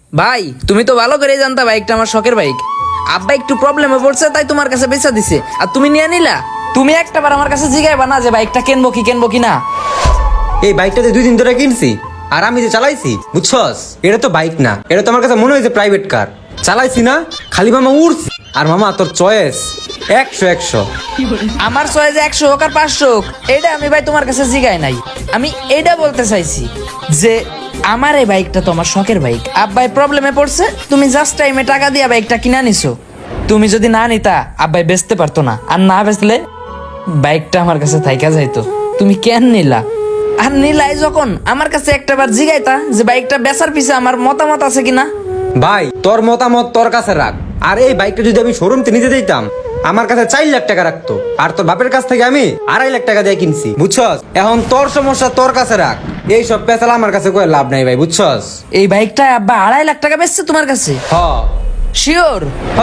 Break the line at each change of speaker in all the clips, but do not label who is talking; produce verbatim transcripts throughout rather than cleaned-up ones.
ভাই তুমি তো ভালো করে জানতা বাইকটা আমার শখের বাইক। আব্বা একটু প্রবলেমে পড়ছে তাই তোমার কাছে বেচা দিছে, আর তুমি নিয়ে নিলা। তুমি একটাবার আমার কাছে জিগাইবা না যে বাইকটা কিনবো কি কিনবো কি না?
এই বাইকটাতে দুই দিন ধরে কিনছি, আর আমি যে চালাইছি বুঝছস, এটা তো বাইক না, এটা তো আমার কাছে মনে হয়েছে প্রাইভেট কার। চালাইছি না, খালি মামা উড়ছি। আর মামা তোর চয়েস একশো একশো।
আমার চয়েস একশো হোক আর পাঁচশো হোক, এটা আমি ভাই তোমার কাছে জিগাই নাই। আমি এইটা বলতে চাইছি যে আমার এই বাইকটা তো আমার শখের বাইক। আব্বাই প্রবলেমে পড়ছে, তুমি জাস্ট টাইমে টাকা দিয়ে বাইকটা কিনা নিছো। তুমি যদি না নিতা আব্বাই বেচতে পারতো না, আর না বেচলে বাইকটা আমার কাছে থাইকা যাইতো। তুমি কেন নিলা? আর নিলাই যখন আমার কাছে একটাবার জিগাইতা যে বাইকটা বেচার পিছে আমার মতামত আছে কিনা।
ভাই তোর মতামত তোর কাছে রাখ। আর এই বাইকটা যদি আমি শোরুমতে নিতে দিতাম, আমার কাছে চার লাখ টাকা রাখতো, আর তোর বাপের কাছ থেকে আমি আড়াই লাখ টাকা দিয়ে কিনছি বুঝছস। এখন তোর সমস্যা তোর কাছে রাখ, এই সব পেছাল আমার কাছে কোনো লাভ নাই ভাই বুঝছস।
এই বাইকটা আব্বা আড়াই লাখ টাকা বেচছে তোমার কাছে?
হ
শিওর?
হ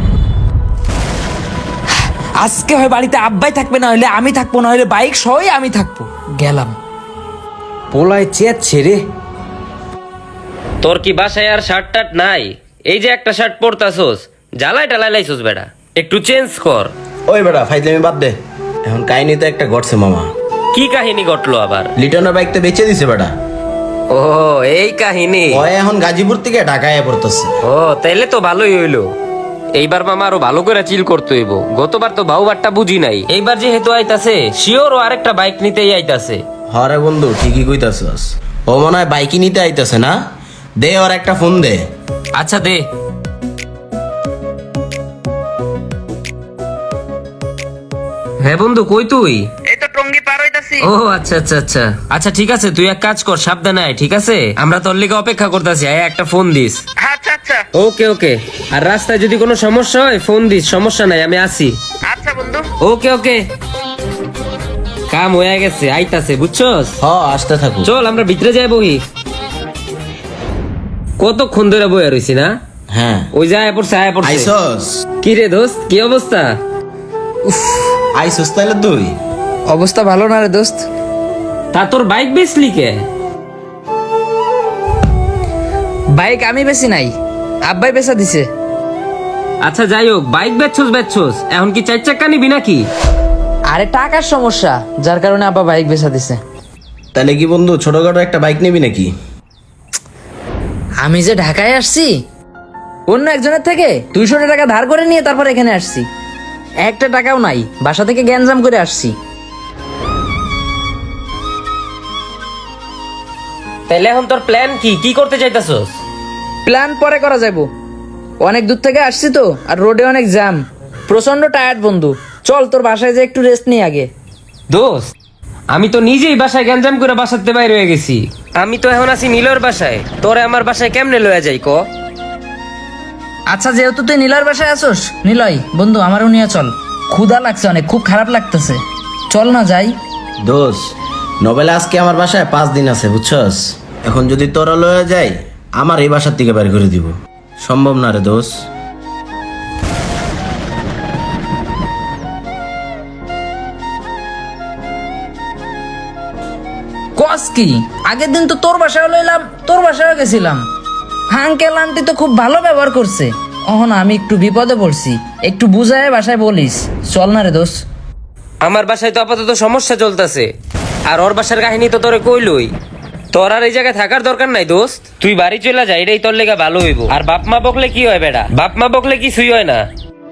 আজকে হয় বাড়িতে আব্বাই থাকবে, না হলে আমি থাকবো, না হলে বাইক সহই আমি থাকবো। গেলাম।
পোলায় চেয়ে ছেড়ে।
তোর কি বাসায় আর শার্ট টার্ট নাই? এই যে একটা শার্ট পরতাছোস, জ্বালাই টালাই লাইছোস বেটা, একটু চেঞ্জ কর।
ওই বেটা ফাইজলামি বাদ দে। এখন কাহিনী তো একটা ঘটছে মামা।
কি কাহিনী ঘটলো আবার?
লিটনের বাইক তো বেচে দিছে বেটা।
ও এই কাহিনী।
ওই এখন গাজীপুর থেকে ঢাকায় পড়তেছে।
ও তাইলে তো ভালোই হইলো। এইবার মামা আরো ভালো করে চিল করতে হইব। গতবার তো বাউবারটা বুঝি নাই, এইবার যেহেতু আইতাছে শিওর ও আরেকটা বাইক নিতেই আইতাছে।
হরে বন্ধু ঠিকই কইতাছস। ও মনে হয় বাইকই নিতে আইতাছে না? দে ওর একটা ফোন দে।
আচ্ছা দে। হ্যাঁ বন্ধু, কই তুই?
এই তো টঙ্গি পার হইতাছি।
ও আচ্ছা আচ্ছা আচ্ছা আচ্ছা ঠিক আছে, তুই এক কাজ কর, সাবধানে আয়, ঠিক আছে? আমরা তোর লিগে অপেক্ষা করতেছি, আয় একটা ফোন দিস।
আচ্ছা আচ্ছা
ওকে ওকে। আর রাস্তায় যদি কোনো সমস্যা হয় ফোন দিস, সমস্যা নাই, আমি আসি।
আচ্ছা বন্ধু।
ওকে ওকে। কাম হয়ে গেছে, আইতাছে বুঝছস।
হ আসতে থাকো।
চল আমরা ভিতরে যাই বহি। কতক্ষণ ধরে বইয়া রইছি না?
হ্যাঁ
ওই যে আয় পড়ছে আয় পড়ছে।
আইসস?
কি রে দোস্ত, কি অবস্থা?
আইসস তাইলে তুই?
অবস্থা ভালো না রে দোস্ত।
তা তোর বাইক বেচলি কে?
বাইক আমি বেশি নাই, আব্বাই বেচা দিছে।
আচ্ছা যাই হোক, বাইক বেচছস বেচছস, এখন কি চার চাক্কা নিবি নাকি?
আরে টাকার সমস্যা, যার কারণে আব্বা বাইক বেচা দিছে।
তাহলে কি বন্ধু ছোটখাটো একটা বাইক নিবি নাকি?
আমি যে ঢাকায় আসছি অন্য একজনের থেকে দুইশো টাকা ধার করে নিয়ে তারপর এখানে আসছি। একটা টাকাও নাই, বাসা থেকে গ্যাঞ্জাম করে আসছি।
তাহলে এখন তোর প্ল্যান কি? কি করতে চাইতাছস?
প্ল্যান পরে করা যাবো, অনেক দূর থেকে আসছি তো, আর রোডে অনেক জ্যাম, প্রচন্ড টায়ার্ড বন্ধু। চল তোর বাসায় যে একটু রেস্ট নিই আগে।
দোস্ত আমি তো নিজেই বাসায় গ্যাঞ্জাম করে বাসাতে বাইরে হয়ে গেছি। আমি তো এখন আছি নীলর বাসায়, তোরে আমার বাসায় কেমনে লয়ে যাই ক?
আচ্ছা যেহেতু তুই নীলয়ের বাসায় আসোস, নিলয় বন্ধু আমারও নিয়ে চল। ক্ষুধা লাগছে অনেক, খুব খারাপ লাগতেছে, চল না যাই।
দোষ নবেলা আজকে আমার বাসায় পাঁচ দিন আছে বুঝছস। এখন যদি তোরা লয়ে যাই, আমার এই বাসার থেকে বের করে দিব। সম্ভব না রে দোষ।
কস কি? আগের দিন তো তোর বাসায় লইলাম, তোর বাসায় গেছিলাম, আঙ্কেল আন্টি তো খুব ভালো ব্যবহার করছে। অহন আমি একটু বিপদে পড়ছি, একটু বুঝায় বাসায় বলিস। চল না রে দোষ।
আমার বাসায় তো আপাতত সমস্যা চলতেছে, আর ওর বাসার কাহিনী তো তোরে কইলই। তোর আর এই জায়গায় থাকার দরকার নাই দোস্ত, তুই বাড়ি চলে যা, এটাই তোর লেগে ভালো হইব। আর বাপ মা বকলে কি হয় বেটা? বাপ মা বকলে কিছুই হয় না।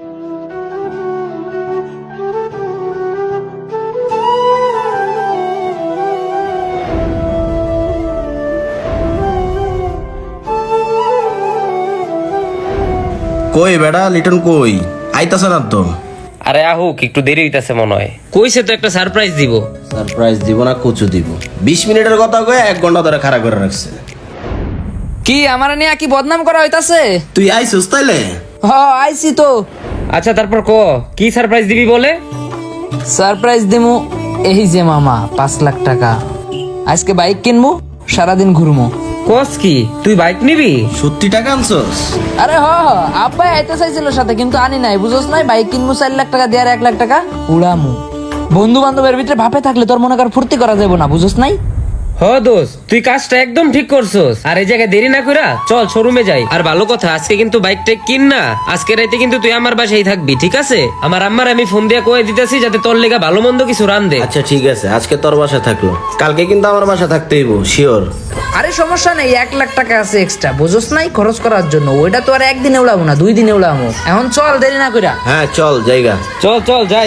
কই বেড়া লিটন কই? আইতাছে না তো?
আরে আহুক, একটু দেরি হইতাছে মনে হয়। কইছে তো একটা সারপ্রাইজ দিব।
সারপ্রাইজ দিব না কচু দিব? বিশ মিনিটের কথা কয়ে এক ঘন্টা ধরে খাড়া করে রাখছে।
কি আমার নিয়ে কি বদনাম করা হইতাছে?
তুই আইসুস তাইলে?
হ আইছি তো।
আচ্ছা তারপর ক, কি সারপ্রাইজ দিবি বলে?
সারপ্রাইজ দিমু এই যে মামা, পাঁচ লাখ টাকা। আজকে বাইক কিনবো, সারাদিন ঘুরবো।
কস কি, তুই বাইক নিবি?
সত্যি টাকা আনছস?
আরে হ হ, আব্বাই আইতে চাইছিল সাথে, কিন্তু আনি নাই, বুঝোস নাই? বাইক কিনবো চার লাখ টাকা দিয়ে, আর এক লাখ টাকা উড়ামু। বন্ধু বান্ধবের ভিতরে ভাপে থাকলে তোর মনে কর ফুর্তি করা যাবো না, বুঝোস নাই?
হ দোস্ত তুই কাজটা একদম ঠিক করছস। আর এই জায়গায় দেরি না কইরা চল শোরুমে যাই। আর ভালো কথা, আজকে কিন্তু বাইকটা কিন না, আজকে রাইতে কিন্তু তুই আমার বাসায় থাকবি, ঠিক আছে? আমার আম্মার আমি ফোন দিয়ে কয়ে দিতেছি যাতে তোর লেগা ভালো মন্দ কিছু রান দে।
আচ্ছা ঠিক আছে, আজকে তোর বাসা থাকলো, কালকে কিন্তু আমার বাসা থাকতেইব শিওর।
আরে সমস্যা নেই, এক লাখ টাকা আছে এক্সট্রা, বুঝোস নাই, খরচ করার জন্য। ওইটা তো আর একদিনে উড়াবো না, দুই দিনে উড়াবো। এখন চল, দেরি না কইরা।
হ্যাঁ চল জায়গা।
চল চল যাই।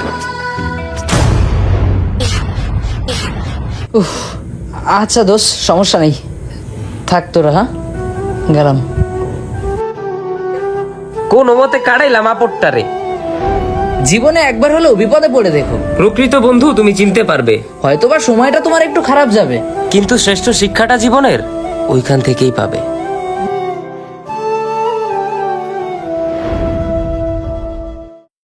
আচ্ছা দোষ, সমস্যা নেই, থাক তোরা, হ্যাঁ গেলাম।
কোন মতে কাটাইলাম আপটটারে।
জীবনে একবার হলেও বিপদে পড়ে দেখো,
প্রকৃত বন্ধু তুমি চিনতে পারবে।
হয়তোবা সময়টা তোমার একটু খারাপ যাবে,
কিন্তু শ্রেষ্ঠ শিক্ষাটা জীবনের ওইখান থেকেই পাবে।